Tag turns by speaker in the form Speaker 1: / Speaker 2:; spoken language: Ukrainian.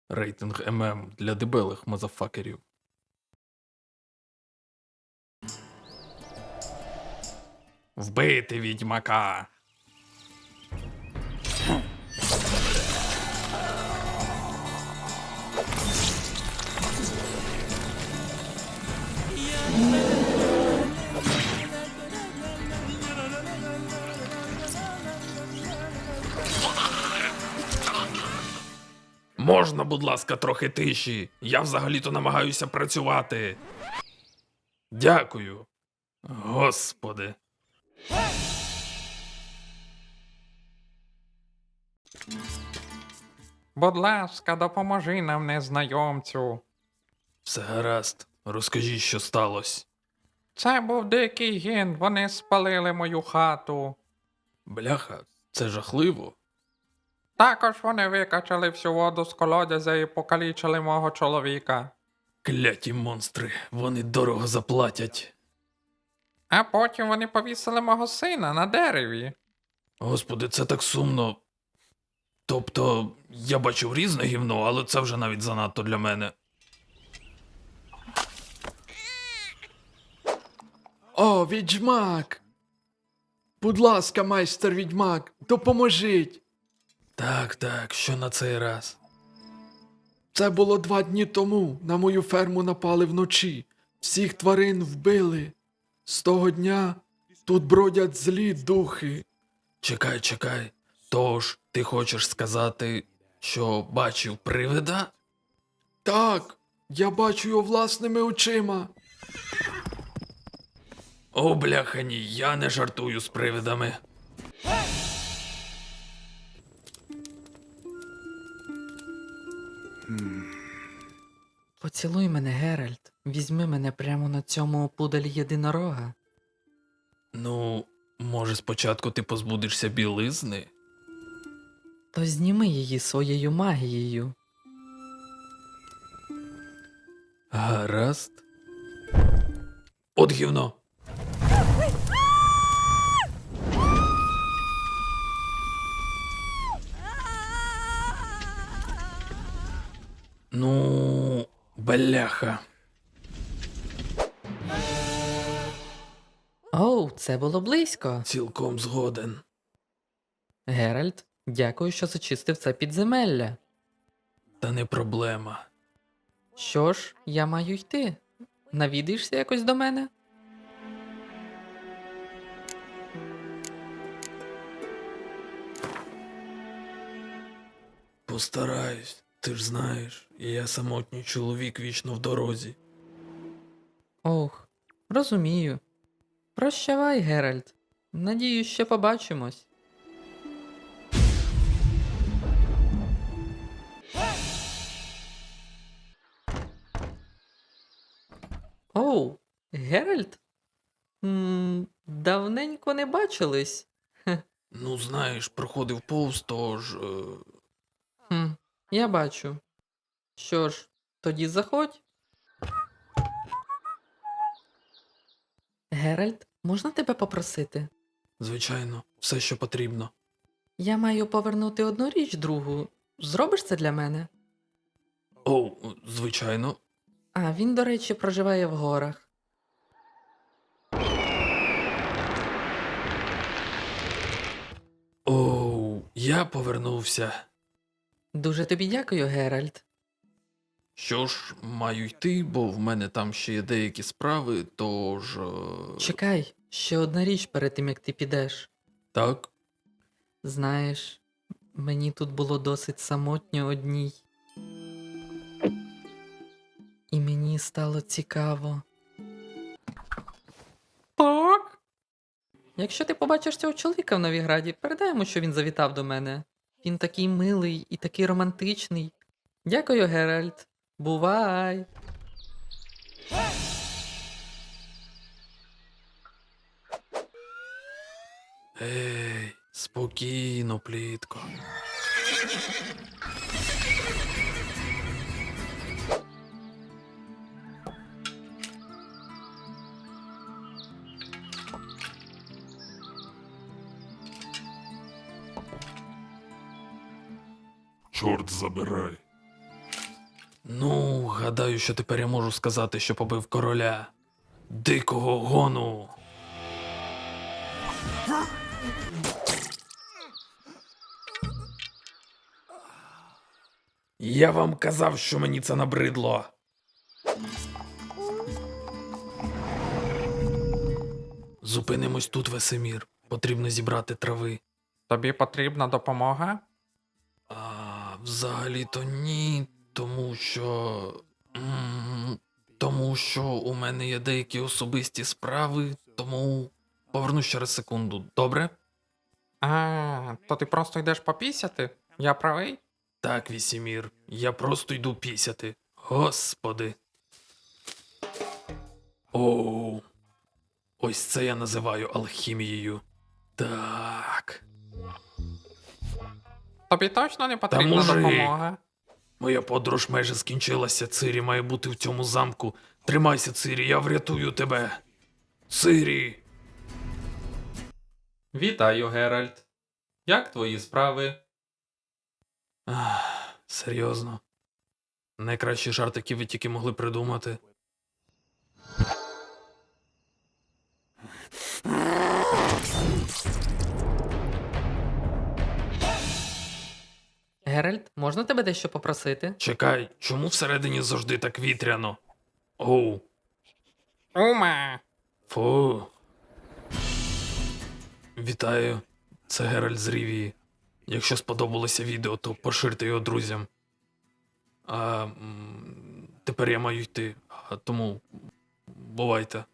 Speaker 1: Рейтинг ММ для дебелих мазафакерів. Вбити відьмака! Можна, будь ласка, трохи тиші? Я взагалі-то намагаюся працювати. Дякую. Господи.
Speaker 2: Будь ласка, допоможи нам, незнайомцю.
Speaker 1: Все гаразд. Розкажіть, що сталося.
Speaker 2: Це був дикий гін, вони спалили мою хату.
Speaker 1: Бляха, це жахливо.
Speaker 2: Також вони викачали всю воду з колодязя і покалічили мого чоловіка.
Speaker 1: Кляті монстри, вони дорого заплатять.
Speaker 2: А потім вони повісили мого сина на дереві.
Speaker 1: Господи, це так сумно. Тобто, я бачив різне гівно, але це вже навіть занадто для мене.
Speaker 3: О, відьмак! Будь ласка, майстер відьмак, допоможіть!
Speaker 1: Так, що на цей раз?
Speaker 3: Це було 2 дні тому. На мою ферму напали вночі. Всіх тварин вбили. З того дня тут бродять злі духи.
Speaker 1: Чекай. Тож, ти хочеш сказати, що бачив привида?
Speaker 3: Так, я бачу його власними очима.
Speaker 1: О, бляха, ні, я не жартую з привидами.
Speaker 4: Поцілуй мене, Геральт. Візьми мене прямо на цьому пуделі єдинорога.
Speaker 1: Ну, може, спочатку ти позбудешся білизни?
Speaker 4: То зніми її своєю магією.
Speaker 1: Гаразд. От гівно. Ну, бляха.
Speaker 4: Оу, це було близько.
Speaker 1: Цілком згоден.
Speaker 4: Геральт, дякую, що зачистив це підземелля.
Speaker 1: Та не проблема.
Speaker 4: Що ж, я маю йти. Навідаєшся якось до мене?
Speaker 1: Постараюсь. Ти ж знаєш, я самотній чоловік вічно в дорозі.
Speaker 4: Ох, розумію. Прощавай, Геральт. Надіюсь, ще побачимось. Оу, Геральт? Давненько не бачились.
Speaker 1: Ну, знаєш, проходив повз, тож...
Speaker 4: Я бачу. Що ж, тоді заходь. Геральт, можна тебе попросити?
Speaker 1: Звичайно, все, що потрібно.
Speaker 4: Я маю повернути одну річ другу. Зробиш це для мене?
Speaker 1: О, звичайно.
Speaker 4: А, він, до речі, проживає в горах.
Speaker 1: Оу, я повернувся.
Speaker 4: Дуже тобі дякую, Геральт.
Speaker 1: Що ж, маю йти, бо в мене там ще є деякі справи, тож...
Speaker 4: Чекай, ще одна річ перед тим, як ти підеш.
Speaker 1: Так?
Speaker 4: Знаєш, мені тут було досить самотньо одній. І мені стало цікаво.
Speaker 2: Так?
Speaker 4: Якщо ти побачиш цього чоловіка в Новіграді, передай йому, що він завітав до мене. Він такий милий і такий романтичний. Дякую, Геральт. Бувай!
Speaker 1: Ей, спокійно, плітко.
Speaker 5: Чорт забирай.
Speaker 1: Ну, гадаю, що тепер я можу сказати, що побив короля дикого гону. Я вам казав, що мені це набридло. Зупинимось тут, Весемір. Потрібно зібрати трави.
Speaker 2: Тобі потрібна допомога?
Speaker 1: Взагалі-то ні, тому що. Тому що у мене є деякі особисті справи, тому повернусь через секунду, добре?
Speaker 2: То ти просто йдеш попісяти? Я правий?
Speaker 1: Так, Вісімір, я просто йду пісяти. Господи. Оу. Ось це я називаю алхімією. Так.
Speaker 2: Тобі точно не потрібна
Speaker 1: мужик.
Speaker 2: допомога?
Speaker 1: Моя подорож майже скінчилася. Цирі має бути в цьому замку. Тримайся, Цирі, я врятую тебе. Цирі.
Speaker 4: Вітаю, Геральт. Як твої справи?
Speaker 1: Серйозно. Найкращі жарт, які ви тільки могли придумати.
Speaker 4: Геральт, можна тебе дещо попросити?
Speaker 1: Чекай, чому всередині завжди так вітряно? Оу,
Speaker 2: Ума!
Speaker 1: фу. Вітаю, це Геральт з Рівії. Якщо сподобалося відео, то поширте його друзям. Тепер я маю йти, тому бувайте.